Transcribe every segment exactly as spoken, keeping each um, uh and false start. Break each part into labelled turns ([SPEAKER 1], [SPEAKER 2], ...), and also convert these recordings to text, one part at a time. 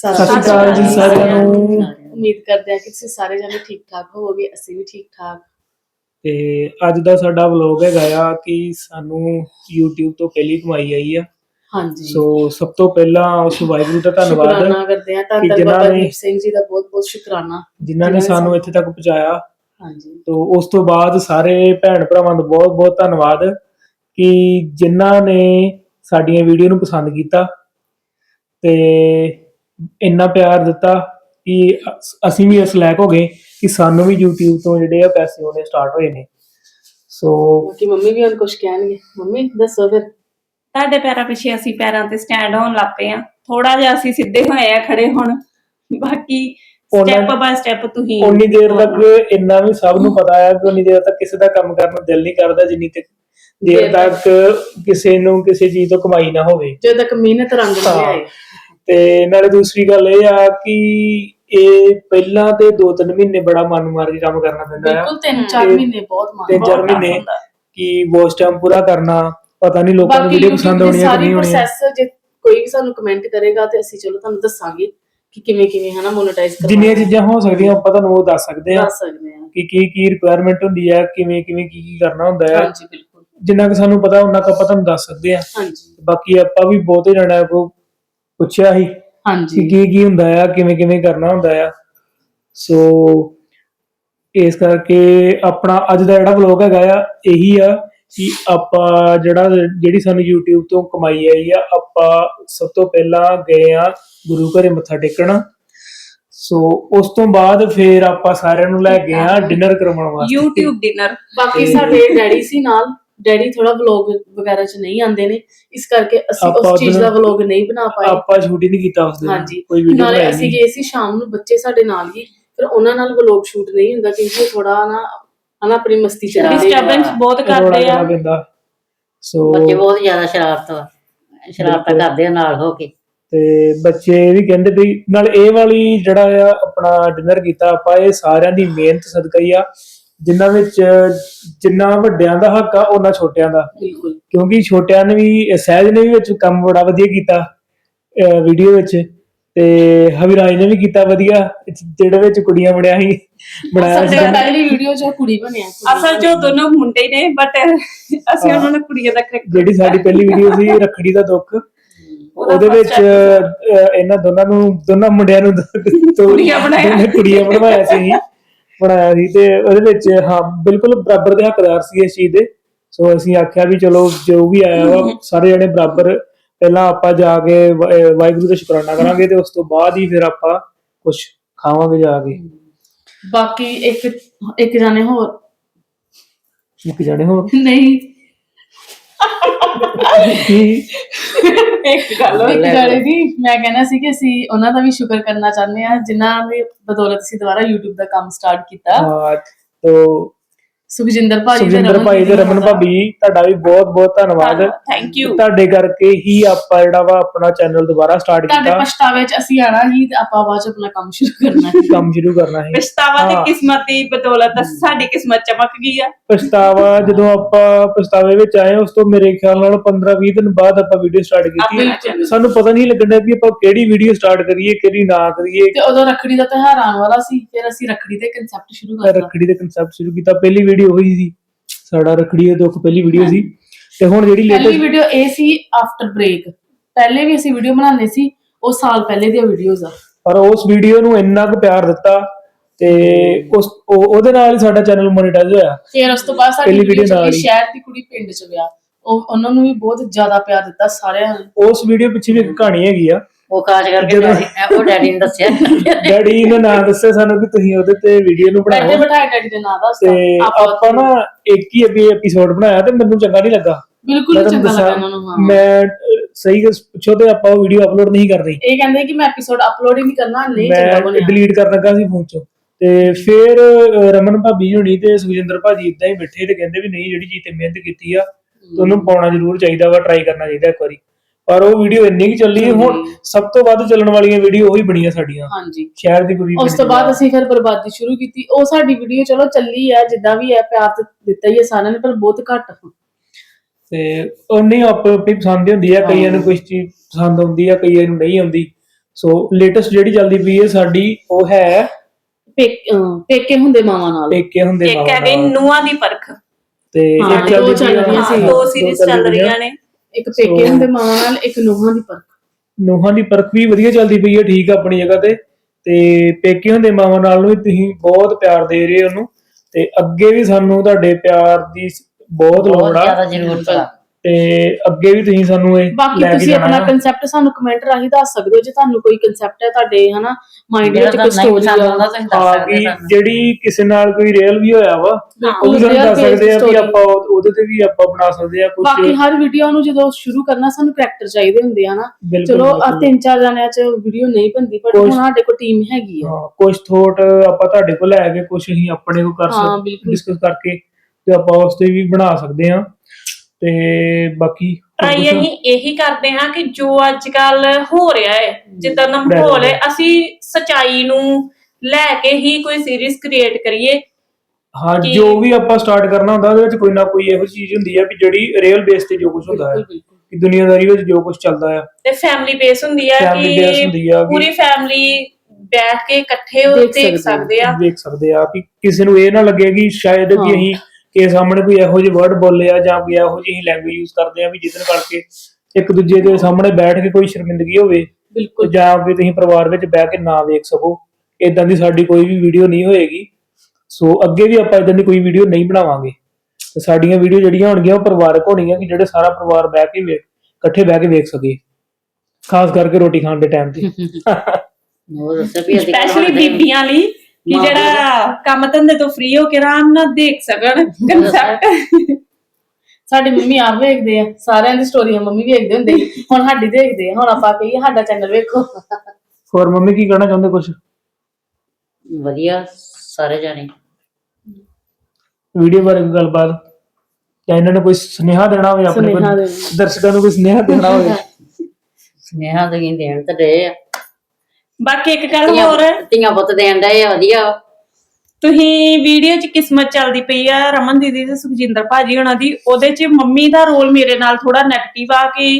[SPEAKER 1] ਸਤਿ ਸ਼੍ਰੀ ਅਕਾਲ ਜੀ ਸਾਰਿਆਂ ਨੂੰ।
[SPEAKER 2] ਉਮੀਦ ਕਰਦੇ ਹਾਂ ਕਿ ਤੁਸੀਂ ਸਾਰੇ ਜਣੇ ਠੀਕ ਠਾਕ ਹੋਵੋਗੇ, ਅਸੀਂ ਵੀ ਠੀਕ ਠਾਕ।
[SPEAKER 1] ਤੇ ਅੱਜ ਦਾ ਸਾਡਾ ਵਲੌਗ ਹੈਗਾ ਆ ਕਿ ਸਾਨੂੰ YouTube ਤੋਂ ਪਹਿਲੀ ਕਮਾਈ ਆਈ ਆ।
[SPEAKER 2] ਹਾਂਜੀ,
[SPEAKER 1] ਸੋ ਸਭ ਤੋਂ ਪਹਿਲਾਂ ਉਸ ਵਾਹਿਗੁਰੂ ਦਾ ਧੰਨਵਾਦ
[SPEAKER 2] ਸ਼ੁਕਰਾਨਾ ਕਰਦੇ ਹਾਂ ਤਾਂ
[SPEAKER 1] ਕਿ ਜਿਨ੍ਹਾਂ
[SPEAKER 2] ਬਾਬਾ
[SPEAKER 1] ਨੇ
[SPEAKER 2] ਦੀਪ ਸਿੰਘ ਜੀ ਦਾ ਬਹੁਤ ਬਹੁਤ ਸ਼ੁਕਰਾਨਾ
[SPEAKER 1] ਜਿਨ੍ਹਾਂ ਨੇ ਸਾਨੂੰ ਇੱਥੇ ਤੱਕ ਪਹੁੰਚਾਇਆ।
[SPEAKER 2] ਹਾਂਜੀ,
[SPEAKER 1] ਤੋਂ ਉਸ ਤੋਂ ਬਾਅਦ ਸਾਰੇ ਭੈਣ ਭਰਾਵਾਂ ਦਾ ਬਹੁਤ ਬਹੁਤ ਧੰਨਵਾਦ ਕਿ ਜਿਨ੍ਹਾਂ ਨੇ ਸਾਡੀਆਂ ਵੀਡੀਓ ਨੂੰ ਪਸੰਦ ਕੀਤਾ ਤੇ ਇੰਨਾ ਪਿਆਰ ਦਿੱਤਾ ਕਿ ਅਸੀਂ ਵੀ ਇਸ ਲਾਇਕ ਹੋ ਗਏ ਕਿ ਸਾਨੂੰ ਵੀ YouTube ਤੋਂ ਜਿਹੜੇ ਆ ਪੈਸੇ ਆਉਣੇ ਸਟਾਰਟ ਹੋਏ ਨੇ। ਸੋ
[SPEAKER 2] ਬਾਕੀ ਮੰਮੀ ਵੀ ਹੁਣ ਕੁਝ ਕਹਿਣਗੇ। ਮੰਮੀ ਦੱਸੋ ਫਿਰ।
[SPEAKER 3] ਤੁਹਾਡੇ ਪੈਰਾਂ ਪਿੱਛੇ ਅਸੀਂ ਪੈਰਾਂ ਤੇ ਸਟੈਂਡ ਹੋਣ ਲੱਗ ਪਏ ਆ। ਥੋੜਾ ਜਿਹਾ ਅਸੀਂ ਸਿੱਧੇ ਹੋਏ ਆ ਖੜੇ ਹੁਣ, ਬਾਕੀ ਸਟੈਪ ਬਾਏ ਸਟੈਪ ਤੁਸੀਂ
[SPEAKER 1] ਉਨੀ ਦੇਰ ਤੱਕ ਇੰਨਾ ਵੀ ਸਭ ਨੂੰ ਪਤਾ ਹੈ ਕਿ ਉਨੀ ਦੇਰ ਤੱਕ ਕਿਸੇ ਦਾ ਕੰਮ ਕਰਨ ਨੂੰ ਦਿਲ ਨਹੀਂ ਕਰਦਾ ਜਿੰਨੀ ਤੱਕ ਦੇਰ ਤੱਕ ਕਿਸੇ ਨੂੰ ਕਿਸੇ ਚੀਜ਼ ਤੋਂ ਕਮਾਈ ਨਾ ਹੋਵੇ,
[SPEAKER 2] ਜਦੋਂ ਤੱਕ ਮਿਹਨਤ ਰੰਗ ਨਾ ਲਿਆਏ।
[SPEAKER 1] ਤੇ ਨਾਲੇ ਦੂਸਰੀ ਗੱਲ ਇਹ ਆ ਕਿ ਇਹ ਪਹਿਲਾਂ ਤੇ ਦੋ ਤਿੰਨ ਮਹੀਨੇ ਬੜਾ ਮਨ ਮਾਰ ਕੇ ਕੰਮ ਕਰਨਾ ਪੈਂਦਾ ਆ।
[SPEAKER 2] ਬਿਲਕੁਲ ਤਿੰਨ ਚਾਰ ਮਹੀਨੇ ਬਹੁਤ ਮਾਰ
[SPEAKER 1] ਤਿੰਨ ਚਾਰ ਮਹੀਨੇ ਕਿ ਵਾਚ ਟਾਈਮ ਪੂਰਾ ਕਰਨਾ, ਪਤਾ ਨਹੀਂ ਲੋਕਾਂ ਨੂੰ ਵੀਡੀਓ ਪਸੰਦ ਆਉਣੀ ਹੈ ਕਿ ਨਹੀਂ ਆਉਣੀ।
[SPEAKER 2] ਪ੍ਰੋਸੈਸ ਜੇ ਕੋਈ ਵੀ ਸਾਨੂੰ ਕਮੈਂਟ ਕਰੇਗਾ ਤੇ ਅਸੀਂ ਚਲੋ ਤੁਹਾਨੂੰ ਦੱਸਾਂਗੇ ਕਿ ਕਿਵੇਂ ਕਿਵੇਂ ਹਨਾ ਮੋਨੇਟਾਈਜ਼ ਕਰਨਾ।
[SPEAKER 1] ਜਿੰਨੀਆਂ ਚੀਜ਼ਾਂ ਹੋ ਸਕਦੀਆਂ ਆਪਾਂ ਤੁਹਾਨੂੰ ਉਹ ਦੱਸ ਸਕਦੇ ਆ
[SPEAKER 2] ਦੱਸ ਸਕਦੇ ਆ
[SPEAKER 1] ਕਿ ਕੀ ਕੀ ਰਿਕੁਆਇਰਮੈਂਟ ਹੁੰਦੀ ਹੈ, ਕਿਵੇਂ ਕਿਵੇਂ ਕੀ ਕੀ ਕਰਨਾ ਹੁੰਦਾ ਹੈ।
[SPEAKER 2] ਹਾਂਜੀ ਬਿਲਕੁਲ, ਜਿੰਨਾ
[SPEAKER 1] ਜਿੰਨਾ ਕਿ ਸਾਨੂੰ ਪਤਾ ਉਹਨਾਂ ਕੁ ਆਪਾਂ ਤੁਹਾਨੂੰ ਦੱਸ ਸਕਦੇ ਆ।
[SPEAKER 2] ਹਾਂਜੀ
[SPEAKER 1] ਬਾਕੀ ਆਪਾਂ ਵੀ ਬਹੁਤੇ ਜਣਾ ਕੋ ਪੁੱਛਿਆ ਸੀ
[SPEAKER 2] ਹਾਂਜੀ
[SPEAKER 1] ਕਿ ਕੀ ਕੀ ਹੁੰਦਾ ਆ, ਕਿਵੇਂ ਕਿਵੇਂ ਕਰਨਾ ਹੁੰਦਾ ਆ। ਸੋ ਇਸ ਕਰਕੇ ਆਪਣਾ ਅੱਜ ਦਾ ਜਿਹੜਾ ਵਲੌਗ ਹੈਗਾ ਆ ਇਹੀ ਆ ਕਿ ਆਪਾਂ ਜਿਹੜਾ ਜਿਹੜੀ ਸਾਨੂੰ YouTube ਤੋਂ ਕਮਾਈ ਆਈ ਆ, ਆਪਾਂ ਸਭ ਤੋਂ ਪਹਿਲਾਂ ਗਏ ਆ ਗੁਰੂ ਘਰੇ ਮੱਥਾ ਟੇਕਣ। ਸੋ ਉਸ ਤੋਂ ਬਾਅਦ ਫਿਰ ਆਪਾਂ ਸਾਰਿਆਂ ਨੂੰ ਲੈ ਗਏ ਆ ਡਿਨਰ ਕਰਵਾਉਣ ਵਾਸਤੇ,
[SPEAKER 3] YouTube ਡਿਨਰ।
[SPEAKER 2] ਬਾਕੀ ਸਾਡੇ ਡੈਡੀ ਸੀ ਨਾਲ, ਡੈਡੀ ਥੋੜਾ ਵਲੌਗ ਵਗੈਰਾ ਚ ਨਹੀਂ ਆਉਂਦੇ ਨੇ, ਇਸ ਕਰਕੇ ਅਸੀਂ ਉਸ ਚੀਜ਼ ਦਾ ਵਲੌਗ ਨਹੀਂ ਬਣਾ ਪਾਏ।
[SPEAKER 1] ਆਪਾਂ ਸ਼ੂਟ ਹੀ ਨਹੀਂ ਕੀਤਾ ਉਸ ਦਿਨ,
[SPEAKER 2] ਹਾਂਜੀ,
[SPEAKER 1] ਕੋਈ ਵੀਡੀਓ
[SPEAKER 2] ਨਾਲੇ ਅਸੀਂ ਗਏ ਸੀ ਸ਼ਾਮ ਨੂੰ, ਬੱਚੇ ਸਾਡੇ ਨਾਲ ਹੀ, ਫਿਰ ਉਹਨਾਂ ਨਾਲ ਵਲੌਗ ਸ਼ੂਟ ਨਹੀਂ ਹੁੰਦਾ ਕਿਉਂਕਿ ਥੋੜਾ ਨਾ ਹਨਾ ਆਪਣੀ ਮਸਤੀ ਚ
[SPEAKER 3] ਡਿਸਟਰਬੈਂਸ ਬਹੁਤ ਕਰਦੇ ਆ।
[SPEAKER 1] ਸੋ
[SPEAKER 4] ਬੱਚੇ ਬਹੁਤ ਜ਼ਿਆਦਾ ਸ਼ਰਾਰਤ ਸ਼ਰਾਰਤਾਂ ਕਰਦੇ ਆ ਨਾਲ ਹੋ ਕੇ।
[SPEAKER 1] ਤੇ ਬੱਚੇ ਵੀ ਕਹਿੰਦੇ ਵੀ ਨਾਲ ਇਹ ਵਾਲੀ ਜਿਹੜਾ ਆ ਆਪਣਾ ਡਿਨਰ ਕੀਤਾ ਆਪਾਂ, ਇਹ ਸਾਰਿਆਂ ਦੀ ਮਿਹਨਤ ਸਦਕਾ ਹੀ ਆ, ਜਿਨ੍ਹਾਂ ਵਿੱਚ ਜਿੰਨਾ ਵੱਡਿਆਂ ਦਾ ਹੱਕ ਆ ਉਹਨਾਂ ਛੋਟਿਆਂ ਦਾ।
[SPEAKER 2] ਬਿਲਕੁਲ,
[SPEAKER 1] ਕਿਉਂਕਿ ਛੋਟਿਆਂ ਨੇ ਵੀ, ਸਹਿਜ ਨੇ ਵੀ ਵਿੱਚ ਕੰਮ ਬੜਾ ਵਧੀਆ ਕੀਤਾ ਵੀਡੀਓ ਵਿੱਚ, ਤੇ ਹਵਿਰਾਜ ਨੇ ਵੀ ਕੀਤਾ ਵਧੀਆ, ਜਿਹੜੇ ਵਿੱਚ ਕੁੜੀਆਂ ਬਣਿਆ ਸੀ ਬਣਾਇਆ ਸੀ।
[SPEAKER 2] ਪਹਿਲੀ ਵੀਡੀਓ ਚ ਕੁੜੀ ਬਣਿਆ,
[SPEAKER 3] ਅਸਲ ਚ ਦੋਨੋਂ ਮੁੰਡੇ ਨੇ ਬਟ ਅਸੀਂ ਉਹਨਾਂ ਨੂੰ ਕੁੜੀਆਂ ਦਾ ਕਰੈਕਟਰ।
[SPEAKER 1] ਜਿਹੜੀ ਸਾਡੀ ਪਹਿਲੀ ਵੀਡੀਓ ਸੀ ਰੱਖੜੀ ਦਾ ਦੁੱਖ, ਉਹਦੇ ਵਿੱਚ ਇਹਨਾਂ ਦੋਨਾਂ ਨੂੰ ਦੋਨਾਂ ਮੁੰਡਿਆਂ ਨੂੰ
[SPEAKER 3] ਕੁੜੀਆਂ ਬਣਾਇਆ
[SPEAKER 1] ਕੁੜੀਆਂ ਬਣਵਾਇਆ ਸੀ ਬਣਾਇਆ ਸੀ ਤੇ ਉਹਦੇ ਵਿੱਚ ਹਾਂ ਬਿਲਕੁਲ ਬਰਾਬਰ ਦੇ ਹੱਕਦਾਰ ਸੀ ਇਸ ਚੀਜ਼ ਦੇ। ਸੋ ਅਸੀਂ ਆਖਿਆ ਵੀ ਚਲੋ ਜੋ ਵੀ ਆਇਆ ਵਾ ਸਾਰੇ ਜਣੇ ਬਰਾਬਰ, ਪਹਿਲਾਂ ਆਪਾਂ ਜਾ ਕੇ ਵਾਹਿਗੁਰੂ ਦਾ ਸ਼ੁਕਰਾਨਾ ਕਰਾਂਗੇ ਤੇ ਉਸ ਤੋਂ ਬਾਅਦ ਹੀ ਫਿਰ ਆਪਾਂ ਕੁਛ ਖਾਵਾਂਗੇ ਜਾ ਕੇ।
[SPEAKER 2] ਬਾਕੀ ਇੱਕ ਇੱਕ ਜਾਣੇ ਹੋਰ
[SPEAKER 1] ਇੱਕ ਜਾਣੇ ਹੋਰ
[SPEAKER 2] ਨਹੀਂ
[SPEAKER 3] ਇੱਕ ਗੱਲ
[SPEAKER 2] ਇੱਕ ਜਾਣੇ ਦੀ ਮੈਂ ਕਹਿਣਾ ਸੀ ਕਿ ਅਸੀਂ ਉਹਨਾਂ ਦਾ ਵੀ ਸ਼ੁਕਰ ਕਰਨਾ ਚਾਹੁੰਦੇ ਹਾਂ ਜਿਨ੍ਹਾਂ ਦੀ ਬਦੌਲਤ ਅਸੀਂ ਦੁਬਾਰਾ YouTube ਦਾ ਕੰਮ ਸਟਾਰਟ ਕੀਤਾ।
[SPEAKER 1] ਹਾਂ ਤੋ
[SPEAKER 2] ਸੁਖਜਿੰਦਰ ਭਾਜੀ
[SPEAKER 1] ਸੁਖਜਿੰਦਰ ਭਾਈ ਤੇ ਰਮਨ ਭਾਬੀ, ਤੁਹਾਡਾ ਵੀ ਬਹੁਤ ਬਹੁਤ ਧੰਨਵਾਦ।
[SPEAKER 3] Thank you.
[SPEAKER 1] ਤੁਹਾਡੇ ਕਰਕੇ ਹੀ ਆਪਾਂ ਜਿਹੜਾ ਵਾ ਆਪਣਾ ਚੈਨਲ ਦੁਬਾਰਾ ਸਟਾਰਟ ਕੀਤਾ।
[SPEAKER 2] ਤੁਹਾਡੇ ਪਛਤਾਵੇ ਚ ਅਸੀਂ ਆਣਾ ਹੀ ਤੇ ਆਪਾਂ ਬਾਅਦ ਚ ਆਪਣਾ ਕੰਮ ਸ਼ੁਰੂ ਕਰਨਾ ਹੈ।
[SPEAKER 1] ਕੰਮ ਸ਼ੁਰੂ ਕਰਨਾ ਹੈ।
[SPEAKER 3] ਪਛਤਾਵਾ ਤੇ ਕਿਸਮਤ ਦੀ ਬਦੌਲਤ ਸਾਡੀ ਕਿਸਮਤ ਚਮਕ ਗਈ ਆ।
[SPEAKER 1] ਪਛਤਾਵਾ ਜਦੋਂ ਆਪਾਂ ਪਛਤਾਵੇ ਵਿੱਚ ਆਏ ਉਸ ਤੋਂ ਮੇਰੇ ਖਿਆਲ ਨਾਲ ਪੰਦਰਾਂ ਵੀਹ ਦਿਨ ਬਾਅਦ ਆਪਾਂ ਵੀਡੀਓ ਸਟਾਰਟ ਕੀਤੀ। ਸਾਨੂੰ ਪਤਾ ਨਹੀਂ ਲੱਗਣ ਡਿਆ ਵੀ ਆਪਾਂ ਕਿਹੜੀ ਵੀਡੀਓ ਸਟਾਰਟ ਕਰੀਏ ਕਿਹੜੀ ਨਾ ਕਰੀਏ।
[SPEAKER 2] ਤੇ ਉਦੋਂ ਰੱਖੜੀ ਦਾ ਤਿਉਹਾਰ ਆਉਣ ਵਾਲਾ ਸੀ, ਫਿਰ ਅਸੀਂ ਰੱਖੜੀ ਦੇ ਕਨਸੈਪਟ ਸ਼ੁਰੂ ਕਰਤਾ।
[SPEAKER 1] ਰੱਖੜੀ ਦੇ ਕਨਸੈਪਟ ਸ਼ੁਰੂ ਕੀਤਾ। ਪਹਿਲੀ ਵੀਡੀਓ ਉਹੀ ਸੀ ਸਾਡਾ, ਰੱਖੜੀ ਦੇ ਦੁੱਖ ਪਹਿਲੀ ਵੀਡੀਓ ਸੀ। ਤੇ ਹੁਣ ਜਿਹੜੀ
[SPEAKER 2] ਪਹਿਲੀ ਵੀਡੀਓ ਇਹ ਸੀ ਆਫਟਰ ਬ੍ਰੇਕ। ਪਹਿਲੇ ਵੀ ਅਸੀਂ ਵੀਡੀਓ ਬਣਾਉਂਦੇ ਸੀ, ਉਹ ਸਾਲ ਪਹਿਲੇ ਦੀਆਂ ਵੀਡੀਓਜ਼ ਆ, ਪਰ
[SPEAKER 1] ਉਸ ਵੀਡੀਓ ਨੂੰ ਇੰਨਾ ਕੁ ਪਿਆਰ ਦਿੱਤਾ ਤੇ ਉਸ ਉਹਦੇ ਨਾਲ ਹੀ ਸਾਡਾ ਚੈਨਲ ਮੋਨੇਟਾਈਜ਼ ਹੋਇਆ।
[SPEAKER 2] ਫਿਰ ਉਸ ਤੋਂ ਬਾਅਦ ਸਾਡੀ ਵੀਡੀਓ ਸ਼ਹਿਰ ਦੀ ਕੁੜੀ ਪਿੰਡ ਚ ਵਿਆਹ, ਉਹ ਉਹਨਾਂ ਨੂੰ ਵੀ ਬਹੁਤ ਜ਼ਿਆਦਾ ਪਿਆਰ ਦਿੱਤਾ ਸਾਰਿਆਂ ਨੇ।
[SPEAKER 1] ਉਸ ਵੀਡੀਓ ਪਿੱਛੇ ਵੀ ਇੱਕ ਕਹਾਣੀ ਹੈਗੀ ਆ,
[SPEAKER 4] ਉਹ ਖਾਸ ਕਰਕੇ ਉਹ ਡੈਡੀ ਨੇ ਦੱਸਿਆ।
[SPEAKER 1] ਡੈਡੀ ਨੇ ਨਾਂ ਦੱਸਿਆ ਸਾਨੂੰ ਕਿ ਤੁਸੀਂ ਉਹਦੇ ਤੇ ਵੀਡੀਓ ਨੂੰ ਬਣਾਓ।
[SPEAKER 2] ਬੈਠੇ ਬਿਠਾਏ ਡੈਡੀ ਦੇ ਨਾਂ ਦੱਸਤਾ।
[SPEAKER 1] ਤੇ ਆਪਾਂ ਨਾ ਇੱਕ ਹੀ ਐਪੀਸੋਡ ਬਣਾਇਆ ਤੇ ਮੈਨੂੰ ਚੰਗਾ ਨਹੀਂ ਲੱਗਾ,
[SPEAKER 2] ਬਿਲਕੁਲ ਚੰਗਾ ਲੱਗਾ ਉਹਨਾਂ ਨੂੰ।
[SPEAKER 1] ਮੈਂ ਸਹੀ ਪੁੱਛੋ ਤੇ ਆਪਾਂ ਉਹ ਵੀਡੀਓ ਅਪਲੋਡ ਨਹੀਂ ਕਰ ਰਹੀ।
[SPEAKER 2] ਇਹ ਕਹਿੰਦੇ ਕਿ ਮੈਂ ਐਪੀਸੋਡ ਅਪਲੋਡ ਹੀ ਨਹੀਂ ਕਰਨਾ, ਨਹੀਂ ਚੰਗਾ ਬਣਿਆ,
[SPEAKER 1] ਮੈਂ ਡਿਲੀਟ ਕਰਨ ਲੱਗਾ ਸੀ ਫੋਨ ਚੋਂ। ਤੇ ਫਿਰ ਰਮਨ ਭਾਬੀ ਹੋਣੀ ਤੇ ਸੁਖਜਿੰਦਰ ਭਾਜੀ ਇਦਾਂ ਹੀ ਬੈਠੇ ਤੇ ਕਹਿੰਦੇ ਵੀ ਨਹੀਂ ਜਿਹੜੀ ਚੀਜ਼ ਤੇ ਮਿਹਨਤ ਕੀਤੀ ਆ ਤੇ ਉਹਨੂੰ ਪਾਉਣਾ ਜ਼ਰੂਰ ਚਾਹੀਦਾ ਵਾ, ਟਰਾਈ ਕਰਨਾ ਚਾਹੀਦਾ ਇੱਕ ਵਾਰੀ। ਪਰ ਉਹ ਵੀਡੀਓ ਇੰਨੀ ਕਿ ਚੱਲੀ, ਹੁਣ ਸਭ ਤੋਂ ਵੱਧ ਚੱਲਣ ਵਾਲੀਆਂ ਵੀਡੀਓ ਉਹੀ ਬਣੀਆਂ ਸਾਡੀਆਂ।
[SPEAKER 2] ਹਾਂਜੀ,
[SPEAKER 1] ਸ਼ਹਿਰ ਦੀ ਕੁੜੀ।
[SPEAKER 2] ਉਸ ਤੋਂ ਬਾਅਦ ਅਸੀਂ ਫਿਰ ਬਰਬਾਦੀ ਸ਼ੁਰੂ ਕੀਤੀ। ਉਹ ਸਾਡੀ ਵੀਡੀਓ ਚਲੋ ਚੱਲੀ ਹੈ, ਜਿੱਦਾਂ ਵੀ ਹੈ ਪਿਆਰ ਦਿੱਤਾ ਹੀ ਹੈ ਸਾਰਿਆਂ ਨੇ, ਪਰ ਬਹੁਤ ਘੱਟ।
[SPEAKER 1] ਤੇ ਉਹ ਨਹੀਂ ਆਪਣੀ ਪਸੰਦ ਹੁੰਦੀ ਆ, ਕਈਆਂ ਨੂੰ ਕੁਝ ਚੀਜ਼ ਪਸੰਦ ਆਉਂਦੀ ਆ, ਕਈਆਂ ਨੂੰ ਨਹੀਂ ਆਉਂਦੀ। ਸੋ ਲੇਟੈਸਟ ਜਿਹੜੀ ਚੱਲਦੀ ਪਈ ਹੈ ਸਾਡੀ ਉਹ ਹੈ
[SPEAKER 2] ਪੇਕ- ਅਹ ਪੇਕੇ ਹੁੰਦੇ ਮਾਵਾਂ ਨਾਲ।
[SPEAKER 1] ਪੇਕੇ ਹੁੰਦੇ
[SPEAKER 3] ਇੱਕ
[SPEAKER 1] ਮਾਵਾਂ
[SPEAKER 3] ਹੈਗੇ
[SPEAKER 1] ਨਾਲ।
[SPEAKER 3] ਨੂੰਹਾਂ ਦੀ ਪਰਖ,
[SPEAKER 1] ਤੇ
[SPEAKER 2] ਹਾਂ,
[SPEAKER 1] ਇੱਕ
[SPEAKER 2] ਦੋ
[SPEAKER 1] ਚੱਲਦੀ
[SPEAKER 2] ਚੱਲ ਰਹੀਆਂ
[SPEAKER 3] ਹਾਂ,
[SPEAKER 2] ਸੀ।
[SPEAKER 3] ਦੋ ਸੀਰੀਜ਼
[SPEAKER 1] ਦੋ
[SPEAKER 3] ਚੱਲ ਰਹੀਆਂ ਨੇ।
[SPEAKER 2] ਇੱਕ ਪੇਕੇ
[SPEAKER 1] ਸੋ-
[SPEAKER 2] ਹੁੰਦੇ ਮਾਵਾਂ ਨਾਲ, ਇੱਕ ਨੂੰਹਾਂ ਦੀ ਪਰਖ।
[SPEAKER 1] ਨੂੰਹਾਂ ਦੀ ਪਰਖ ਵੀ ਵਧੀਆ ਚੱਲਦੀ ਪਈ ਹੈ, ਠੀਕ ਆ ਆਪਣੀ ਜਗ੍ਹਾ ਤੇ ਤੇ ਪੇਕੇ ਹੁੰਦੇ ਮਾਵਾਂ ਨਾਲ ਨੂੰ ਵੀ ਤੁਸੀਂ ਬਹੁਤ ਪਿਆਰ ਦੇ ਰਹੇ ਹੋ ਉਹਨੂੰ, ਤੇ ਅੱਗੇ ਵੀ ਸਾਨੂੰ ਤੁਹਾਡੇ ਪਿਆਰ ਦੀ ਬਹੁਤ
[SPEAKER 4] ਬਹੁਤ
[SPEAKER 1] ਲੋੜ ਆ,
[SPEAKER 4] ਜ਼ਿਆਦਾ ਜ਼ਰੂਰਤ ਆ।
[SPEAKER 1] ਤੇ ਅੱਗੇ ਵੀ ਤੁਸੀਂ ਸਾਨੂੰ ਇਹ
[SPEAKER 2] ਬਾਕੀ
[SPEAKER 1] ਲੈ ਕੇ
[SPEAKER 2] ਤੁਸੀਂ
[SPEAKER 1] ਜਾਣਾ
[SPEAKER 2] ਆਪਣਾ
[SPEAKER 1] ਆ।
[SPEAKER 2] ਕਨਸੈਪਟ ਸਾਨੂੰ ਕਮੈਂਟ ਰਾਹੀਂ ਦੱਸ ਸਕਦੇ ਹੋ, ਜੇ ਤੁਹਾਨੂੰ ਕੋਈ ਕਨਸੈਪਟ ਹੈ ਤੁਹਾਡੇ ਹਨਾ ਮਾਈਂਡ ਵਿੱਚ, ਕੋਈ ਸਟੋਰੀ ਆ।
[SPEAKER 4] ਤੁਸੀਂ ਦੱਸ
[SPEAKER 1] ਹਾਂ
[SPEAKER 4] ਸਕਦੇ
[SPEAKER 1] ਕਿ
[SPEAKER 4] ਸਾਨੂੰ।
[SPEAKER 1] ਜਿਹੜੀ ਕਿਸੇ ਨਾਲ ਕੋਈ ਰੀਅਲ ਵੀ ਹੋਇਆ ਵਾ ਉਹ ਵੀ ਸਾਨੂੰ
[SPEAKER 2] real
[SPEAKER 1] ਦੱਸ ਸਕਦੇ ਆ
[SPEAKER 2] based
[SPEAKER 1] ਵੀ
[SPEAKER 2] story।
[SPEAKER 1] ਆਪਾਂ ਉਹ- ਉਹਦੇ ਤੇ ਵੀ ਆਪਾਂ ਬਣਾ ਸਕਦੇ ਆ ਕੁਝ।
[SPEAKER 2] ਬਾਕੀ ਹਰ ਵੀਡੀਓ ਨੂੰ ਜਦੋਂ ਸ਼ੁਰੂ ਕਰਨਾ ਸਾਨੂੰ ਕਰੈਕਟਰ ਚਾਹੀਦੇ ਹੁੰਦੇ ਆ ਨਾ।
[SPEAKER 1] ਬਿਲਕੁਲ,
[SPEAKER 2] ਚਲੋ ਆ
[SPEAKER 1] ਬਿਲਕੁਲ।
[SPEAKER 2] ਤਿੰਨ ਚਾਰ ਜਣਿਆਂ ਚ ਵੀਡੀਓ ਨਹੀਂ ਬਣਦੀ, ਪਰ
[SPEAKER 1] ਕੁਛ-
[SPEAKER 2] ਹੁਣ ਸਾਡੇ ਕੋਲ ਟੀਮ ਹੈਗੀ ਆ।
[SPEAKER 1] ਹਾਂ ਕੁਝ ਥੋਟ ਆਪਾਂ ਤੁਹਾਡੇ ਕੋਲ ਲੈ ਕੇ ਕੁਝ ਅਸੀਂ ਆਪਣੇ ਕੋਲ ਕਰ
[SPEAKER 2] ਹਾਂ,
[SPEAKER 1] ਸਕਦੇ,
[SPEAKER 2] ਬਿਲਕੁਲ।
[SPEAKER 1] ਡਿਸਕਸ ਕਰਕੇ ਤੇ ਆਪਾਂ ਉਸ ਤੇ ਵੀ ਬਣਾ ਸਕਦੇ ਆ। ਤੇ ਬਾਕੀ
[SPEAKER 3] ਟਰਾਈ
[SPEAKER 1] ਕੁਛ-
[SPEAKER 3] ਅਸੀਂ ਇਹੀ ਕਰਦੇ ਹਾਂ ਕਿ ਜੋ ਅੱਜ ਕੱਲ ਹੋ ਰਿਹਾ ਹੈ, ਜਿੱਦਾਂ ਦਾ ਮਾਹੌਲ ਹੈ, ਅਸੀਂ ਸਚਾਈ ਨੂੰ ਲੈ ਕੇ ਹੀ ਕੋਈ ਸੀਰੀਜ਼ ਕ੍ਰੀਏਟ ਕਰੀਏ।
[SPEAKER 1] ਹਾਂ
[SPEAKER 3] ਕਿ-
[SPEAKER 1] ਜੋ ਵੀ ਆਪਾਂ ਸਟਾਰਟ ਕਰਨਾ ਹੁੰਦਾ ਉਹਦੇ ਵਿੱਚ ਕੋਈ ਨਾ ਕੋਈ ਇਹੋ ਚੀਜ਼ ਹੁੰਦੀ ਹੈ ਵੀ ਜਿਹੜੀ ਰੀਅਲ ਬੇਸ ਤੇ ਜੋ ਕੁਝ ਹੁੰਦਾ ਹੈ,
[SPEAKER 2] ਬਿਲਕੁਲ ਬਿਲਕੁਲ।
[SPEAKER 1] ਕਿ ਦੁਨੀਆਦਾਰੀ ਵਿੱਚ ਜੋ ਕੁਝ ਚੱਲਦਾ ਆ,
[SPEAKER 3] ਤੇ ਫੈਮਿਲੀ ਬੇਸ ਹੁੰਦੀ ਆ
[SPEAKER 1] ਫੈਮਿਲੀ ਬੇਸ
[SPEAKER 3] ਕਿ
[SPEAKER 1] ਹੁੰਦੀ ਆ
[SPEAKER 3] ਪੂਰੀ
[SPEAKER 1] ਕਿ
[SPEAKER 3] ਫੈਮਿਲੀ ਬੈਠ ਕੇ ਇਕੱਠੇ ਉਹ
[SPEAKER 2] ਦੇਖ
[SPEAKER 3] ਦੇਖ
[SPEAKER 2] ਸਕਦੇ
[SPEAKER 3] ਸਕਦੇ ਆ।
[SPEAKER 1] ਦੇਖ ਸਕਦੇ ਆ ਕਿ ਕਿਸੇ ਨੂੰ ਇਹ ਨਾ ਲੱਗੇ ਕਿ ਸ਼ਾਇਦ ਕਿ
[SPEAKER 2] ਹਾਂ।
[SPEAKER 1] ਅਸੀਂ ਕਿਸੇ ਸਾਹਮਣੇ ਕੋਈ ਇਹੋ ਜਿਹੇ ਵਰਡ ਬੋਲੇ ਆ ਜਾਂ ਕੋਈ ਇਹੋ ਜਿਹੀ ਲੈਂਗੁਏਜ ਯੂਜ਼ ਕਰਦੇ ਆ ਵੀ ਜਿਹਦੇ ਕਰਕੇ ਇੱਕ ਦੂਜੇ ਦੇ ਸਾਹਮਣੇ ਬੈਠ ਕੇ ਕੋਈ ਸ਼ਰਮਿੰਦਗੀ ਹੋਵੇ, ਤੇ
[SPEAKER 2] ਬਿਲਕੁਲ
[SPEAKER 1] ਜਾਂ ਕਿ ਤੁਸੀਂ ਪਰਿਵਾਰ ਵਿੱਚ ਬਹਿ ਕੇ ਨਾ ਵੇਖ ਸਕੋ। ਇਦਾਂ ਦੀ ਸਾਡੀ ਕੋਈ ਵੀ ਵੀਡੀਓ ਨਹੀਂ ਹੋਏਗੀ। ਸੋ ਅੱਗੇ ਵੀ ਆਪਾਂ ਇਦਾਂ ਦੀ ਕੋਈ ਵੀਡੀਓ ਨਹੀਂ ਬਣਾਵਾਂਗੇ, ਤੇ ਸਾਡੀਆਂ ਵੀਡੀਓ ਜਿਹੜੀਆਂ ਹੋਣਗੀਆਂ ਉਹ ਪਰਿਵਾਰਕ ਹੋਣਗੀਆਂ ਕਿ ਜਿਹੜੇ ਸਾਰਾ ਪਰਿਵਾਰ ਬਹਿ ਕੇ ਵੇਖ ਇਕੱਠੇ ਬਹਿ ਕੇ ਵੇਖ ਸਕੇ, ਖਾਸ ਕਰਕੇ ਰੋਟੀ ਖਾਣ ਦੇ ਟਾਈਮ ਤੇ।
[SPEAKER 4] ਉਹ ਦੱਸੋ ਵੀ ਅਸੀਂ
[SPEAKER 3] ਸਪੈਸ਼ਲੀ ਬੀਬੀਆਂ ਲਈ ਕਿ
[SPEAKER 4] ਮਾਂ
[SPEAKER 3] ਜਿਹੜਾ ਕੰਮ ਧੰਦੇ ਤੋਂ ਫ੍ਰੀ ਹੋ ਕੇ ਆਰਾਮ ਨਾਲ ਦੇਖ ਸਕਣ ਕਨਸੈਪਟ।
[SPEAKER 2] ਸਾਡੇ ਮੰਮੀ ਆਪ ਵੇਖਦੇ ਆ, ਸਾਰਿਆਂ ਦੀ ਸਟੋਰੀਆਂ ਮੰਮੀ ਵੇਖਦੇ ਹੁੰਦੇ ਸੀ, ਹੁਣ ਸਾਡੀ ਦੇਖਦੇ ਆ। ਹੁਣ ਆਪਾਂ ਕਹੀਏ ਸਾਡਾ ਚੈਨਲ ਵੇਖੋ।
[SPEAKER 1] ਹੋਰ ਮੰਮੀ ਕੀ ਕਹਿਣਾ ਚਾਹੁੰਦੇ ਕੁਝ
[SPEAKER 4] ਵਧੀਆ ਸਾਰੇ ਜਾਣੇ।
[SPEAKER 1] ਵੀਡੀਓ ਬਾਰੇ ਕੋਈ ਗੱਲਬਾਤ, ਜਾਂ ਇਹਨਾਂ ਨੂੰ ਕੋਈ ਸੁਨੇਹਾ ਦੇਣਾ ਹੋਵੇ ਆਪਣੇ
[SPEAKER 2] ਸੁਨੇਹਾ
[SPEAKER 1] ਕੋਲ
[SPEAKER 2] ਦੇਣਾ।
[SPEAKER 1] ਦਰਸ਼ਕਾਂ ਨੂੰ ਕੋਈ ਸੁਨੇਹਾ ਦੇਣਾ ਹੋਵੇ?
[SPEAKER 4] ਸੁਨੇਹਾ ਤੁਸੀਂ ਦੇਣ ਤਾਂ ਡਏ ਆ,
[SPEAKER 3] ਬਾਕੀ ਇੱਕ ਗੱਲ
[SPEAKER 4] ਧੀਆਂ-
[SPEAKER 3] ਹੋਰ,
[SPEAKER 4] ਧੀਆਂ ਪੁੱਤ ਦੇਣ ਡਏ ਆ, ਵਧੀਆ ਵਾ।
[SPEAKER 3] ਤੁਸੀਂ ਵੀਡੀਓ 'ਚ ਕਿਸਮਤ ਚੱਲਦੀ ਪਈ ਆ ਰਮਨ ਦੀਦੀ ਤੇ ਸੁਖਜਿੰਦਰ ਭਾਜੀ ਹੋਣਾ ਦੀ, ਉਹਦੇ 'ਚ ਮੰਮੀ ਦਾ ਰੋਲ ਮੇਰੇ ਨਾਲ ਥੋੜਾ ਨੈਗੇਟਿਵ ਆ ਕਿ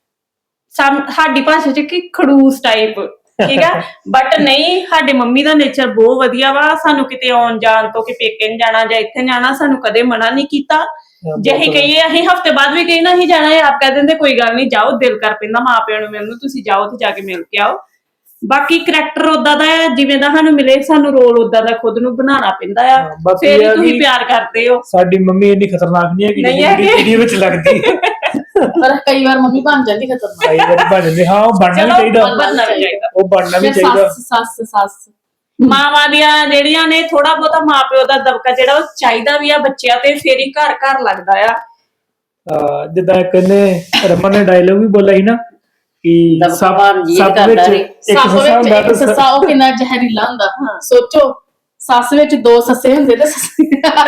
[SPEAKER 3] ਸਮ ਸਾਡੀ ਭਾਸ਼ਾ 'ਚ ਕਿ ਖੜੂਸ ਟਾਈਪ, ਠੀਕ ਆ। ਬਟ ਨਹੀਂ, ਸਾਡੇ ਮੰਮੀ ਦਾ ਨੇਚਰ ਬਹੁਤ ਵਧੀਆ ਵਾ। ਸਾਨੂੰ ਕਿਤੇ ਆਉਣ ਜਾਣ ਤੋਂ ਕਿ ਪੇਕੇ ਨੀ ਜਾਣਾ ਜਾਂ ਇੱਥੇ ਨੀ ਜਾਣਾ, ਸਾਨੂੰ ਕਦੇ ਮਨਾ ਨਹੀਂ ਕੀਤਾ। ਜੇ ਅਸੀਂ ਕਹੀਏ ਅਸੀਂ ਹਫਤੇ ਬਾਅਦ ਵੀ ਕਹੀ ਨਾ ਅਸੀਂ ਜਾਣਾ ਹੈ, ਆਪ ਕਹਿ ਦਿੰਦੇ ਕੋਈ ਗੱਲ ਨਹੀਂ, ਜਾਓ, ਦਿਲ ਕਰ ਪੈਂਦਾ ਮਾਂ ਪਿਓ ਨੂੰ ਮਿਲਣ ਨੂੰ, ਤੁਸੀਂ ਜਾਓ ਤੇ ਜਾ ਕੇ ਮਿਲ ਕੇ ਆਓ। ਬਾਕੀ ਕਰੈਕਟਰ ਉਦਾਂ ਦਾ ਹੈ, ਜਿਵੇਂ ਦਾ ਸਾਨੂੰ ਮਿਲੇ ਸਾਨੂੰ ਰੋਲ ਉਦਾਂ ਦਾ ਖੁਦ ਨੂੰ ਬਣਾਉਣਾ ਪੈਂਦਾ ਆ।
[SPEAKER 1] ਹਾਂ, ਬਾਕੀ
[SPEAKER 3] ਫੇਰ ਹੀ
[SPEAKER 1] ਇਹ ਆ
[SPEAKER 3] ਤੁਸੀਂ
[SPEAKER 1] ਵੀ
[SPEAKER 3] ਪਿਆਰ ਕਰਦੇ ਹੋ।
[SPEAKER 1] ਸਾਡੀ ਮੰਮੀ ਇੰਨੀ ਖਤਰਨਾਕ ਨਹੀਂ ਹੈਗੀ
[SPEAKER 3] ਨਹੀਂ
[SPEAKER 1] ਜਿਹੜੀ
[SPEAKER 3] ਹੈਗੀ।
[SPEAKER 1] ਵੀਡੀਓ ਵਿੱਚ ਲੱਗਦੀ ਹੈ।
[SPEAKER 2] ਪਰ ਕਈ ਵਾਰ ਮੰਮੀ ਬਣ ਜਾਂਦੀ ਖਤਰਨਾਕ।
[SPEAKER 1] ਕਈ ਵਾਰੀ ਬਣ ਜਾਂਦੇ, ਹਾਂ ਉਹ ਬਣਨਾ ਵੀ
[SPEAKER 3] ਚਲੋ,
[SPEAKER 1] ਚਾਹੀਦਾ,
[SPEAKER 3] ਬਣਨਾ ਵੀ ਚਾਹੀਦਾ।
[SPEAKER 1] ਉਹ ਬਣਨਾ ਵੀ
[SPEAKER 2] ਜਾਂ
[SPEAKER 1] ਚਾਹੀਦਾ।
[SPEAKER 2] ਸੱਸ ਸੱਸ ਸੱਸ
[SPEAKER 3] ਮਾਵਾਂ ਦੀਆਂ ਜਿਹੜੀਆਂ ਨੇ ਥੋੜਾ ਬਹੁਤਾ ਮਾਪਿਓ ਦਾ ਦਬਕਾ ਜਿਹੜਾ ਉਹ ਚਾਹੀਦਾ ਵੀ ਆ ਬੱਚਿਆਂ ਤੇ, ਫੇਰ ਹੀ ਘਰ ਘਰ ਲੱਗਦਾ ਆ।
[SPEAKER 1] ਹਾਂ, ਜਿੱਦਾਂ ਇੱਕ ਇਹਨੇ ਰਮਨ ਨੇ ਡਾਇਲੋਗ ਵੀ ਬੋਲਿਆ ਸੀ ਨਾ ਕਿ
[SPEAKER 4] ਦਬਕਾ
[SPEAKER 1] ਸੱਪ
[SPEAKER 4] ਮਾਰਨ ਜੀਅ
[SPEAKER 1] ਸੱਪ
[SPEAKER 4] ਕਰਦਾ
[SPEAKER 1] ਵਿੱਚ
[SPEAKER 4] ਨੀ।
[SPEAKER 1] ਇੱਕ
[SPEAKER 2] ਸੱਸ
[SPEAKER 1] ਸੱਸਾ
[SPEAKER 2] ਵਿੱਚ
[SPEAKER 1] ਹੁੰਦਾ
[SPEAKER 2] ਇੱਕ
[SPEAKER 1] ਤੇ
[SPEAKER 2] ਸੱਸਾ, ਉਹ ਕਿੰਨਾ ਜ਼ਹਿਰੀਲਾ ਹੁੰਦਾ। ਸੋਚੋ ਸੱਸ ਵਿੱਚ ਦੋ ਸੱਸੇ ਹੁੰਦੇ ਤੇ ਸੱਸੇ।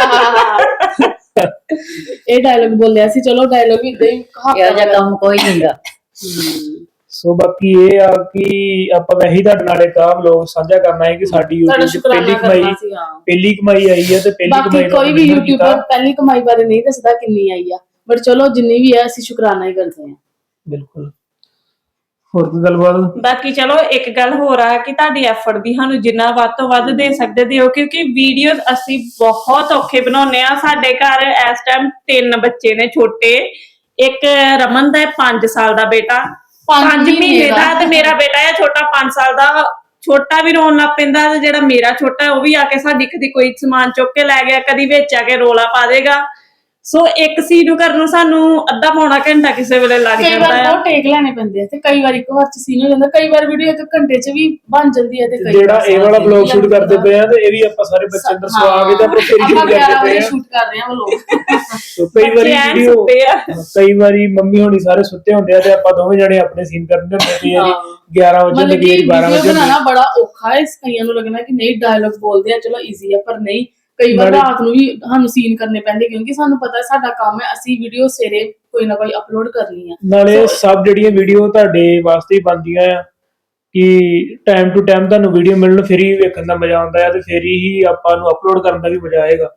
[SPEAKER 2] ਇਹ ਡਾਇਲੋਗ ਬੋਲਿਆ ਸੀ। ਚਲੋ ਡਾਇਲੋਗ ਵੀ ਇਦਾਂ ਹੀ
[SPEAKER 4] ਇਹੋ ਜਿਹਾ ਕੰਮ ਕੋਈ ਨਹੀਂਗਾ।
[SPEAKER 1] ਸੋ ਬਾਕੀ ਇਹ ਆ ਕਿ ਆਪਾਂ ਵੈਸੇ ਤੁਹਾਡੇ ਨਾਲ ਇੱਕ ਆਹ ਵਲੋਗ ਸਾਂਝਾ ਕਰਨਾ ਹੈ ਕਿ ਸਾਡੀ
[SPEAKER 2] ਸਾਡਾ
[SPEAKER 1] YouTube 'ਚ
[SPEAKER 2] ਸ਼ੁਕਰਾਨਾ
[SPEAKER 1] ਪਹਿਲੀ ਕਮਾਈ
[SPEAKER 2] ਕਰਨਾ ਸੀ। ਹਾਂ,
[SPEAKER 1] ਪਹਿਲੀ ਕਮਾਈ ਆਈ ਹੈ, ਤੇ ਪਹਿਲੀ
[SPEAKER 2] ਬਾਕੀ
[SPEAKER 1] ਕਮਾਈ ਦਾ
[SPEAKER 2] ਕੋਈ ਵੀ
[SPEAKER 1] ਆਪਾਂ
[SPEAKER 2] ਯੂਟਿਊਬਰ
[SPEAKER 1] ਕੀਤਾ।
[SPEAKER 2] ਪਹਿਲੀ ਕਮਾਈ ਬਾਰੇ ਨਹੀਂ ਦੱਸਦਾ ਕਿੰਨੀ ਆਈ ਆ, ਬਟ ਚਲੋ ਜਿੰਨੀ ਵੀ ਆ ਅਸੀਂ ਸ਼ੁਕਰਾਨਾ ਹੀ ਕਰਦੇ ਹਾਂ।
[SPEAKER 1] ਬਿਲਕੁਲ। ਹੋਰ ਕੋਈ ਗੱਲਬਾਤ?
[SPEAKER 3] ਬਾਕੀ ਚਲੋ ਇੱਕ ਗੱਲ ਹੋਰ ਆ ਕਿ ਤੁਹਾਡੀ ਐਫਰਟ ਦੀ ਸਾਨੂੰ ਜਿੰਨਾ ਵੱਧ ਤੋਂ ਵੱਧ ਦੇ ਸਕਦੇ ਦਿਓ, ਕਿਉਂਕਿ ਵੀਡੀਓਜ਼ ਅਸੀਂ ਬਹੁਤ ਔਖੇ ਬਣਾਉਂਦੇ ਆ। ਸਾਡੇ ਘਰ ਇਸ ਟਾਈਮ ਤਿੰਨ ਬੱਚੇ ਨੇ ਛੋਟੇ, ਇੱਕ ਰਮਨ ਦਾ ਹੈ ਪੰਜ ਸਾਲ ਦਾ ਬੇਟਾ, ਪੰਜ ਮਹੀਨੇ ਦਾ, ਤੇ ਮੇਰਾ ਬੇਟਾ ਹੈ ਛੋਟਾ ਪੰਜ ਸਾਲ ਦਾ। ਛੋਟਾ ਵੀ ਰੋਣ ਲੱਗ ਪੈਂਦਾ, ਤੇ ਜਿਹੜਾ ਮੇਰਾ ਛੋਟਾ ਹੈ ਉਹ ਵੀ ਆ ਕੇ ਸਾਡੀ ਕਦੀ ਕੋਈ ਸਮਾਨ ਚੁੱਕ ਕੇ ਲੈ ਗਿਆ, ਕਦੀ ਵਿੱਚ ਆ ਕੇ ਰੋਲਾ ਪਾ ਦੇਗਾ। ਸੋ ਇੱਕ ਸੀਨ ਨੂੰ ਕਰਨ ਨੂੰ ਸਾਨੂੰ ਅੱਧਾ ਪੌਣਾ ਘੰਟਾ ਕਿਸੇ ਵੇਲੇ ਲੱਗ
[SPEAKER 2] ਕਈ
[SPEAKER 3] ਜਾਂਦਾ
[SPEAKER 2] ਵਾਰ
[SPEAKER 3] ਆ।
[SPEAKER 2] ਬਹੁਤ ਟੇਕ ਲੈਣੇ ਪੈਂਦੇ ਆ, ਤੇ ਕਈ ਵਾਰ ਇੱਕ ਵਾਰ ਚ ਸੀਨ ਹੋ ਜਾਂਦਾ, ਕਈ ਵਾਰ ਵੀਡੀਓ ਇੱਕ ਘੰਟੇ ਚ ਵੀ ਬਣ ਜਾਂਦੀ ਹੈ। ਤੇ ਕਈ
[SPEAKER 1] ਜਿਹੜਾ
[SPEAKER 2] ਵਾਰ
[SPEAKER 1] ਇਹ ਵਾਲਾ
[SPEAKER 2] ਸਾਲ
[SPEAKER 1] ਬਲੌਗ
[SPEAKER 2] ਵੀ
[SPEAKER 1] ਸ਼ੂਟ
[SPEAKER 2] ਲੱਗ
[SPEAKER 1] ਕਰਦੇ
[SPEAKER 2] ਜਾਂਦਾ।
[SPEAKER 1] ਪਏ ਆ, ਤੇ ਇਹ ਵੀ ਆਪਾਂ ਸਾਰੇ ਬੱਚੇ ਅੰਦਰ ਸਵਾ ਕੇ ਤੇ ਆਪਾਂ ਫੇਰ
[SPEAKER 2] ਆਪਾਂ
[SPEAKER 1] ਸ਼ੂਟ
[SPEAKER 2] ਗਿਆਰਾਂ
[SPEAKER 1] ਕਰਦੇ
[SPEAKER 2] ਵਜੇ
[SPEAKER 1] ਪਏ ਆ।
[SPEAKER 2] ਸ਼ੂਟ ਕਰ ਰਹੇ ਆ ਉਹ ਲੋਕ।
[SPEAKER 1] ਸੋ ਕਈ ਵਾਰੀ
[SPEAKER 3] ਬੱਚੇ ਐਨ
[SPEAKER 1] ਵੀਡੀਓ
[SPEAKER 3] ਸੁੱਤੇ ਆ।
[SPEAKER 1] ਕਈ ਵਾਰੀ ਮੰਮੀ ਹੋਣੀ ਸਾਰੇ ਸੁੱਤੇ ਹੁੰਦੇ ਆ ਤੇ ਆਪਾਂ ਦੋਵੇਂ ਜਣੇ ਆਪਣੇ ਸੀਨ ਕਰਦੇ ਹੁੰਦੇ ਤੇ ਯਾਰੀ
[SPEAKER 2] ਹਾਂ।
[SPEAKER 1] ਗਿਆਰਾਂ ਵਜੇ
[SPEAKER 2] ਮਤਲਬ
[SPEAKER 1] ਲੱਗੇ
[SPEAKER 2] ਕਿ
[SPEAKER 1] ਬਾਰਾਂ
[SPEAKER 2] ਵੀਡੀਓ
[SPEAKER 1] ਵਜੇ
[SPEAKER 2] ਬਣਾਉਣਾ ਬੜਾ ਔਖਾ ਹੈ। ਇਸ ਕਈਆਂ ਨੂੰ ਲੱਗਣਾ ਕਿ ਨਹੀਂ ਡਾਇਲੌਗ ਬੋਲਦੇ ਆ ਚਲੋ ਈਜ਼ੀ ਆ, ਪਰ ਨਹੀਂ, ਕਈ ਵਾਰ
[SPEAKER 1] ਨਾਲੇ-
[SPEAKER 2] ਰਾਤ ਨੂੰ ਵੀ ਸਾਨੂੰ ਸੀਨ ਕਰਨੇ ਪੈਂਦੇ, ਕਿਉਂਕਿ ਸਾਨੂੰ ਪਤਾ ਸਾਡਾ ਕੰਮ ਹੈ, ਅਸੀਂ ਵੀਡੀਓ ਸਵੇਰੇ ਕੋਈ ਨਾ ਕੋਈ ਅਪਲੋਡ ਕਰਨੀ ਆ।
[SPEAKER 1] ਨਾਲੇ ਸਭ ਜਿਹੜੀਆਂ ਵੀਡੀਓ ਤੁਹਾਡੇ ਵਾਸਤੇ ਹੀ ਬਣਦੀਆਂ ਆ ਕਿ ਟਾਈਮ ਟੂ ਟਾਈਮ ਤੁਹਾਨੂੰ ਵੀਡੀਓ ਮਿਲਣ, ਫਿਰ ਹੀ ਵੇਖਣ ਦਾ ਮਜ਼ਾ ਆਉਂਦਾ ਹੈ, ਤੇ ਫਿਰ ਹੀ ਆਪਾਂ ਨੂੰ ਅਪਲੋਡ ਕਰਨ ਦਾ ਵੀ ਮਜ਼ਾ ਆਏਗਾ।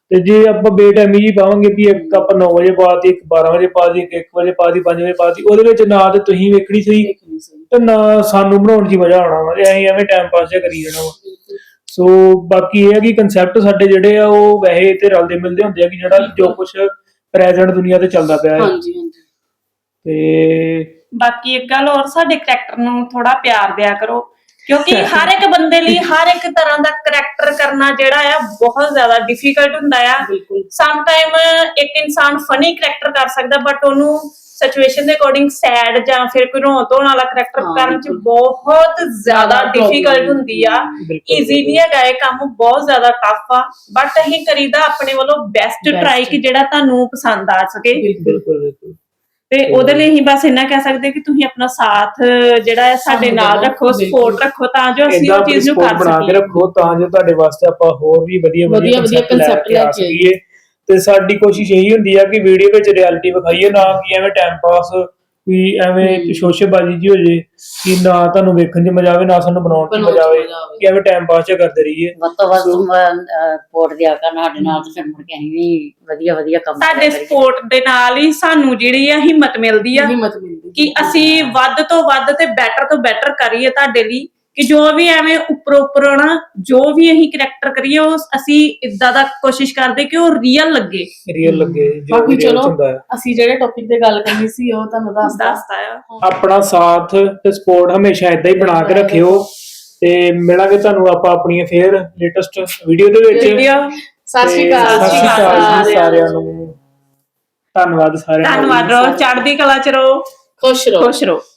[SPEAKER 1] ਤੇ ਜੇ ਆਪਾਂ ਬੇਟਾਈਮੀ ਜੀ ਪਾਵਾਂਗੇ ਵੀ ਇੱਕ ਆਪਾਂ ਨੌ ਵਜੇ ਪਾਤੀ, ਇੱਕ ਬਾਰਾਂ ਵਜੇ ਪਾਤੀ, ਇੱਕ ਇੱਕ ਵਜੇ ਪਾਤੀ, ਪੰਜ ਵਜੇ ਪਾਤੀ, ਉਹਦੇ ਵਿੱਚ ਨਾ ਤੇ ਤੁਸੀਂ ਵੇਖਣੀ ਸਹੀ
[SPEAKER 2] ਦੇਖਣੀ ਸਹੀ।
[SPEAKER 1] ਤੇ ਨਾ ਸਾਨੂੰ ਬਣਾਉਣ 'ਚ ਹੀ ਮਜ਼ਾ ਆਉਣਾ ਵਾ, ਤੇ ਅਸੀਂ ਐਵੇਂ ਟਾਈਮ ਪਾਸ ਜਿਹਾ ਕਰੀ ਜਾਣਾ ਵਾ। ਸੋ ਬਾਕੀ ਇਹ ਹੈ ਕਿ ਕੰਸੈਪਟ ਸਾਡੇ ਜਿਹੜੇ ਆ ਉਹ ਵੈਸੇ ਤੇ ਰਲਦੇ ਮਿਲਦੇ ਹੁੰਦੇ ਆ ਕਿ ਜਿਹੜਾ ਜੋ ਕੁਝ ਪ੍ਰੈਜ਼ੈਂਟ ਦੁਨੀਆ ਤੇ ਚੱਲਦਾ ਪਿਆ ਹੈ।
[SPEAKER 2] ਹਾਂਜੀ ਹਾਂਜੀ।
[SPEAKER 1] ਤੇ
[SPEAKER 3] ਬਾਕੀ ਇੱਕ ਗੱਲ ਹੋਰ, ਸਾਡੇ ਕਰੈਕਟਰ ਨੂੰ ਥੋੜਾ ਪਿਆਰ ਦਿਆ ਕਰੋ, ਕਿਉਂਕਿ ਹਰ ਇੱਕ ਬੰਦੇ ਲਈ ਹਰ ਇੱਕ ਤਰ੍ਹਾਂ ਦਾ ਕਰੈਕਟਰ ਕਰਨਾ ਜਿਹੜਾ ਆ ਬਹੁਤ ਜ਼ਿਆਦਾ ਡਿਫਿਕਲਟ ਹੁੰਦਾ ਆ।
[SPEAKER 2] ਬਿਲਕੁਲ
[SPEAKER 3] ਸਮ ਟਾਈਮ ਇੱਕ ਇਨਸਾਨ ਫਨੀ ਕਰੈਕਟਰ ਕਰ ਸਕਦਾ, ਬਟ ਉਹਨੂੰ ਸਿਚੁਏਸ਼ਨ ਦੇ ਅਕੋਰਡਿੰਗ ਸੈਡ ਜਾਂ ਫਿਰ ਕੋਈ ਰੋਣ ਧੋਣ ਵਾਲਾ ਕਰੈਕਟਰ
[SPEAKER 2] ਹਾਂ,
[SPEAKER 3] ਕਰਨ ਚ
[SPEAKER 2] ਬਿਲਕੁਲ।
[SPEAKER 3] ਬਹੁਤ ਜ਼ਿਆਦਾ
[SPEAKER 2] ਜ਼ਿਆਦਾ
[SPEAKER 3] ਡਿਫਿਕਲਟ
[SPEAKER 2] problem
[SPEAKER 3] ਹੁੰਦੀ ਆ।
[SPEAKER 1] ਬਿਲਕੁਲ
[SPEAKER 3] ਈਜ਼ੀ ਨਹੀਂ ਹੈਗਾ ਇਹ ਕੰਮ, ਬਹੁਤ ਜ਼ਿਆਦਾ ਟਫ ਆ, ਬਟ ਅਸੀਂ ਕਰੀਦਾ ਆਪਣੇ ਵੱਲੋਂ ਬੈਸਟ
[SPEAKER 2] Best।
[SPEAKER 3] ਟਰਾਈ ਕਿ ਜਿਹੜਾ ਤੁਹਾਨੂੰ ਪਸੰਦ ਆ ਸਕੇ।
[SPEAKER 1] ਬਿਲਕੁਲ ਬਿਲਕੁਲ
[SPEAKER 3] ਤੇ ਉਹਦੇ ਲਈ ਅਸੀਂ ਬਸ ਇੰਨਾ ਕਹਿ ਸਕਦੇ ਕਿ ਤੁਸੀਂ ਆਪਣਾ ਸਾਥ ਜਿਹੜਾ ਹੈ ਸਾਡੇ
[SPEAKER 2] ਸਾਨੂੰ
[SPEAKER 3] ਨਾਲ
[SPEAKER 2] ਦੇਣਾ,
[SPEAKER 3] ਰੱਖੋ, ਸਪੋਰਟ
[SPEAKER 2] ਬਿਲਕੁਲ।
[SPEAKER 3] ਰੱਖੋ, ਤਾਂ ਜੋ ਅਸੀਂ
[SPEAKER 1] ਏਦਾਂ
[SPEAKER 3] ਉਹ ਚੀਜ਼ ਨੂੰ
[SPEAKER 1] support
[SPEAKER 3] ਕਰ
[SPEAKER 1] ਬਣਾ ਕੇ
[SPEAKER 3] ਸਕੀਏ।
[SPEAKER 1] ਰੱਖੋ ਤਾਂ ਜੋ ਤੁਹਾਡੇ ਵਾਸਤੇ ਆਪਾਂ ਹੋਰ ਵੀ ਵਧੀਆ
[SPEAKER 2] ਵਧੀਆ ਵਧੀਆ
[SPEAKER 1] concept
[SPEAKER 2] concept
[SPEAKER 1] ਕੇ ਆ
[SPEAKER 2] ਲੈ ਕੇ ਆਈਏ।
[SPEAKER 1] ਸਕੀਏ। ਤੇ ਸਾਡੀ ਕੋਸ਼ਿਸ਼ ਇਹੀ ਹੁੰਦੀ ਆ ਕਿ ਵੀਡੀਓ ਵਿੱਚ ਰਿਐਲਿਟੀ ਵਿਖਾਈਏ, ਨਾ ਕਿ ਐਵੇਂ ਟਾਈਮ ਪਾਸ ਵੀ ਐਵੇਂ
[SPEAKER 2] ਹਮ।
[SPEAKER 1] ਸ਼ੋਸ਼ੇਬਾਜ਼ੀ ਜੀ ਹੋ ਜੇ ਕਿ ਨਾ ਤੁਹਾਨੂੰ ਵੇਖਣ 'ਚ ਮਜ਼ਾ ਆਵੇ ਨਾ ਸਾਨੂੰ ਬਣਾਉਣ 'ਚ
[SPEAKER 2] ਬਣਾਉਣ 'ਚ
[SPEAKER 1] ਮਜ਼ਾ ਆਵੇ,
[SPEAKER 2] ਮਜ਼ਾ ਆਵੇ।
[SPEAKER 1] ਕਿ ਐਵੇਂ ਟਾਈਮ ਪਾਸ ਜਿਹਾ ਕਰਦੇ ਰਹੀਏ।
[SPEAKER 4] ਵੱਧ ਤੋਂ ਵੱਧ
[SPEAKER 1] ਸੋ-
[SPEAKER 4] ਸਪੋਰਟ ਦਿਆ ਕਰਨ ਸਾਡੇ ਨਾਲ, ਤੇ ਫਿਰ ਮੁੜ ਕੇ ਅਸੀਂ ਵੀ ਵਧੀਆ ਵਧੀਆ ਕੰਮ
[SPEAKER 3] ਸਾਡੇ
[SPEAKER 4] ਕਰਿਆ ਕਰੀਏ।
[SPEAKER 3] ਸਪੋਰਟ ਦੇ ਨਾਲ ਹੀ ਸਾਨੂੰ ਜਿਹੜੀ ਆ ਹਿੰਮਤ ਮਿਲਦੀ ਆ
[SPEAKER 2] ਹਿੰਮਤ ਮਿਲਦੀ
[SPEAKER 3] ਕਿ ਅਸੀਂ ਵੱਧ ਤੋਂ ਵੱਧ ਤੇ ਬੈਟਰ ਤੋਂ ਬੈਟਰ ਕਰੀਏ ਤੁਹਾਡੇ ਲਈ, ਕਿ ਜੋ ਵੀ ਐਵੇਂ ਉੱਪਰੋਂ ਉੱਪਰੋਂ ਨਾ ਜੋ ਵੀ ਅਸੀਂ ਕਰੈਕਟਰ ਕਰੀਏ ਉਹ ਅਸੀਂ ਇਦਾਂ ਦਾ ਕੋਸ਼ਿਸ਼ ਕਰਦੇ ਕਿ ਉਹ ਰੀਅਲ ਲੱਗੇ।
[SPEAKER 1] ਰੀਅਲ ਲੱਗੇ ਜੋ
[SPEAKER 2] ਬਾਕੀ
[SPEAKER 1] ਵੀ real
[SPEAKER 2] ਚਲੋ
[SPEAKER 1] ਹੁੰਦਾ ਹੈ।
[SPEAKER 2] ਅਸੀਂ ਜਿਹੜੇ ਟੌਪਿਕ ਤੇ ਗੱਲ ਕਰਨੀ ਸੀ ਉਹ ਤੁਹਾਨੂੰ ਦੱਸਦਾ।
[SPEAKER 3] ਦੱਸਦਾ ਆ।
[SPEAKER 1] ਆਪਣਾ ਸਾਥ ਤੇ ਸਪੋਰਟ ਹਮੇਸ਼ਾ ਇਦਾਂ ਹੀ ਬਣਾ ਕੇ ਰੱਖਿਓ, ਤੇ ਮਿਲਾਂਗੇ ਤੁਹਾਨੂੰ ਆਪਾਂ ਆਪਣੀਆਂ ਫੇਰ ਲੇਟੈਸਟ ਵੀਡੀਓ ਦੇ ਵਿੱਚ।
[SPEAKER 3] ਵੀਡੀਓ
[SPEAKER 2] ਸਤਿ ਸ਼੍ਰੀ
[SPEAKER 1] ਤੇ
[SPEAKER 2] ਅਕਾਲ
[SPEAKER 1] ਸਤਿ ਸ਼੍ਰੀ ਅਕਾਲ ਜੀ
[SPEAKER 2] ਸਾਰਿਆਂ
[SPEAKER 1] ਸਾਰਿਆਂ ਨੂੰ। ਧੰਨਵਾਦ ਸਾਰਿਆਂ ਦਾ।
[SPEAKER 3] ਧੰਨਵਾਦ ਰਹੋ, ਚੜ੍ਹਦੀ ਕਲਾ ਚ ਰਹੋ,
[SPEAKER 2] ਖੁਸ਼ ਰਹੋ।
[SPEAKER 3] ਖੁਸ਼ ਰਹੋ।